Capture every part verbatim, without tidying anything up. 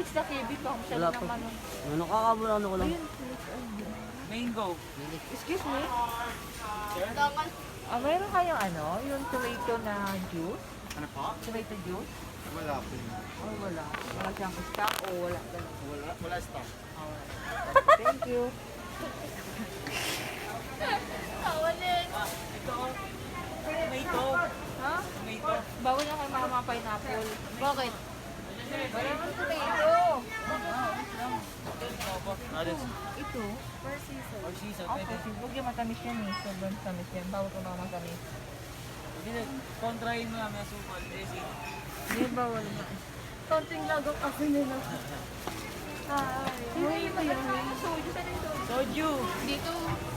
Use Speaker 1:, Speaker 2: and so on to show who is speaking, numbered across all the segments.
Speaker 1: It's the K B pa.
Speaker 2: Wala pa. Ano kakabula ano ko lang.
Speaker 3: Mango.
Speaker 1: Excuse me?
Speaker 4: Dapat.
Speaker 1: Ah, meron kayong ano? Yung tomato na juice?
Speaker 3: Ano po?
Speaker 1: Tomato juice?
Speaker 3: Wala po.
Speaker 1: Oh, wala. Wala siyang stock o wala ganun?
Speaker 3: Wala, wala stock.
Speaker 1: Ah, wala. Thank you.
Speaker 4: Tawalin.
Speaker 3: Ito. Tomato.
Speaker 1: Ha?
Speaker 3: Tomato.
Speaker 1: Bawal na kay mama pineapple.
Speaker 4: Bakit?
Speaker 1: Wala naman tomato.
Speaker 3: Ano?
Speaker 1: Ito?
Speaker 3: Or season.
Speaker 1: Okay,
Speaker 3: Pwede.
Speaker 1: huwag yung matamis yan eh. Sobrang tamis yan. Bawal ko mga matamis.
Speaker 3: Hindi na. Kontrahin mo namin ang sukal. Eh, si.
Speaker 1: Hindi, bawal na.
Speaker 4: Konting lagok ako nila. Ay.
Speaker 1: Uy, ito yan. Soju, saan yung soju?
Speaker 3: Soju.
Speaker 4: Dito.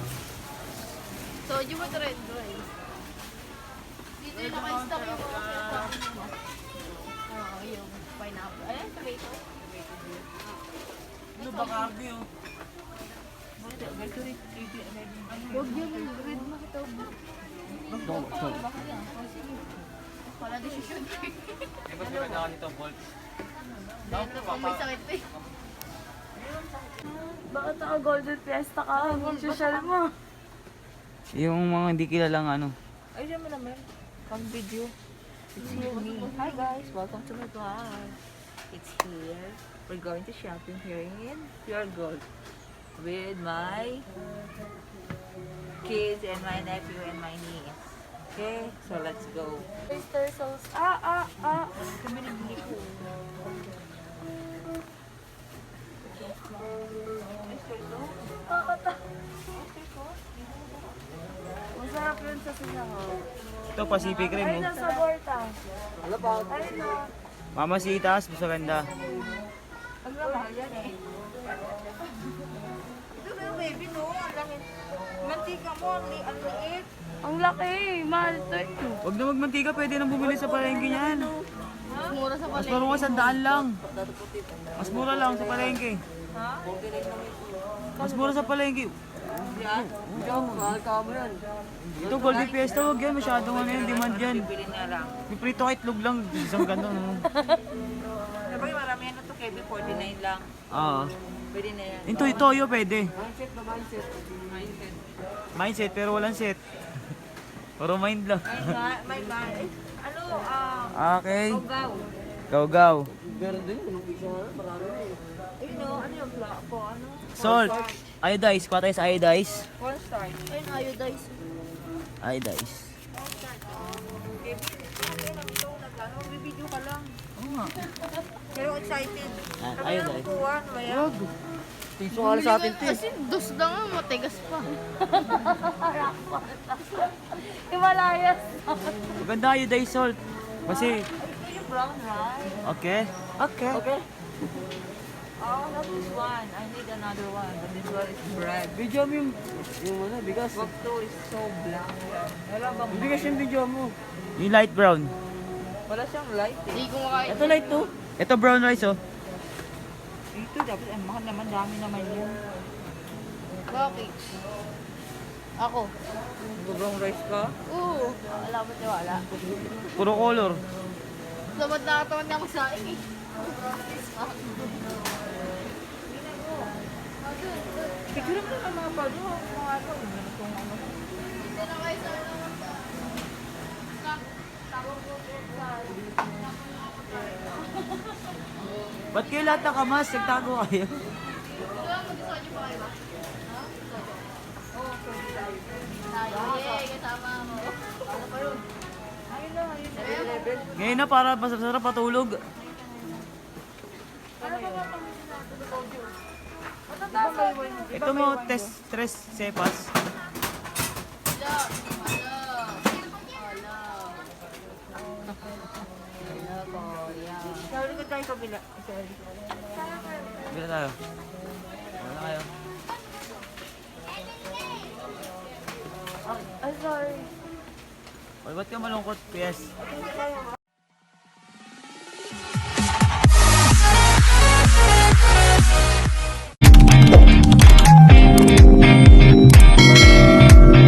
Speaker 4: Soju mo red rice. Dito yung naka-stock yung mga Oo, yung pineapple. Ayan, tomato.
Speaker 3: Ano ba cardi oh?
Speaker 1: Ganito rin.
Speaker 4: Huwag yun, red mo kita.
Speaker 2: Dok, dok.
Speaker 4: Wala decision.
Speaker 3: Eh, mas maganda ako nito, Bolt.
Speaker 4: Dahil na kung may sakit eh.
Speaker 5: Bakit naka Golden Fiesta ka? Ang social mo.
Speaker 3: Yung mga hindi kilalang ano.
Speaker 1: Ay, diyan mo naman. Pang video. It's here me. Hi guys, welcome to my vlog. It's here. We're going to shopping here in Pure Gold with my kids and my nephew and my niece. Okay, so let's go.
Speaker 5: Oyster sauce. Ah, ah, ah.
Speaker 1: Kami nagbili ko.
Speaker 5: Masarap yun sa sinahaw.
Speaker 3: Ito, Pacific Rim
Speaker 5: Ay,
Speaker 3: oh.
Speaker 5: nasa Borta.
Speaker 2: Ano ba?
Speaker 5: Ay, no.
Speaker 3: Mamasitas, mas maganda.
Speaker 1: Ang lamang yan eh. Ito ba yung baby no? Ang laki. Mantika mo, ang li- ang liit.
Speaker 5: Ang laki. Mahal to eh.
Speaker 3: Huwag na magmantika, pwede nang bumili sa palengke niyan.
Speaker 4: Mas mura sa
Speaker 3: Mas
Speaker 4: palengke.
Speaker 3: parang sa daan lang. Mas mura lang sa palengke.
Speaker 1: Ha?
Speaker 3: Mas mura sa palengke.
Speaker 1: Yan?
Speaker 2: Ikaw, mahal ka mo yan.
Speaker 3: Ito, Golden Fiesta, huwag yan. Masyadong ano yan, demand yan.
Speaker 1: Bibili na lang.
Speaker 3: May prito ka itlog lang, isang gano'n. Oh.
Speaker 1: Sabi, marami yan na to, Kevin. forty-nine lang.
Speaker 3: Oo.
Speaker 1: Pwede na yan.
Speaker 3: Ito, toyo pwede.
Speaker 2: Mindset na mindset.
Speaker 3: Mindset, pero walang set. Puro mind lang.
Speaker 1: Ay, nga, may ba? Eh, ano, ah,
Speaker 3: Okay.
Speaker 1: Ugaw.
Speaker 3: Go, go.
Speaker 2: Meron din, unong isa na, marami na eh.
Speaker 1: Ayun o, ano yung fla po? Ano?
Speaker 3: Salt. Iodize. Kuha tayo sa iodize.
Speaker 1: Cornstarch.
Speaker 4: Ayun, iodize.
Speaker 3: Iodize.
Speaker 1: Kevin, okay lang ito. Nagano, bibidyo ka lang.
Speaker 3: Oo nga.
Speaker 1: Pero excited.
Speaker 3: Ah,
Speaker 1: Kami
Speaker 3: iodize.
Speaker 1: ang kukuha, ano ba yan?
Speaker 2: Piso nga sa atin, Tin.
Speaker 4: Kasi dos na nga, matigas pa.
Speaker 5: Himalayas.
Speaker 3: Maganda iodize salt. Kasi,
Speaker 1: Ito yung brown rice.
Speaker 3: okay. Okay.
Speaker 2: Okay.
Speaker 1: Oh, not this one. I need another one. But this one is bread.
Speaker 2: Video mo yung, yung ano, bigas.
Speaker 1: Wag to is so black. Wala bang
Speaker 2: Yung bigas yung video mo.
Speaker 3: Yung light brown.
Speaker 1: Wala siyang light eh.
Speaker 4: Hindi ko makain.
Speaker 2: Ito light to.
Speaker 3: Ito brown rice oh.
Speaker 1: Ito dapat, ang mahal naman, dami naman yun.
Speaker 4: Bakit? Ako.
Speaker 1: Brown rice ka?
Speaker 4: Oo. Wala ba tiwala?
Speaker 3: Puro color.
Speaker 4: Dapat nakatawan niya ako sa akin eh.
Speaker 1: Picture mo naman mga palo. Mga ano, kung ano.
Speaker 4: Dito na kayo sa ano. Sa- tawag ko po sa...
Speaker 3: Ba't kayo lahat nakamas? Nagtago kayo?
Speaker 4: Ito lang, mag-design niyo pa kayo ba? Ha? Oo, pwede tayo. Tayo, yay, kasama mo. Ano pa yun?
Speaker 1: Ayun lang, ayun lang.
Speaker 3: Ngayon na para masarap patulog.
Speaker 1: Ano ba ba pang
Speaker 3: Ito mo, test, tres cepas.
Speaker 4: Wala. Wala. Wala.
Speaker 1: Wala po, yan. Sabi ko tayo kabila. Sorry.
Speaker 3: Bila tayo. Wala kayo.
Speaker 5: Ay, sorry.
Speaker 3: Oy, ba't ka malungkot, P S?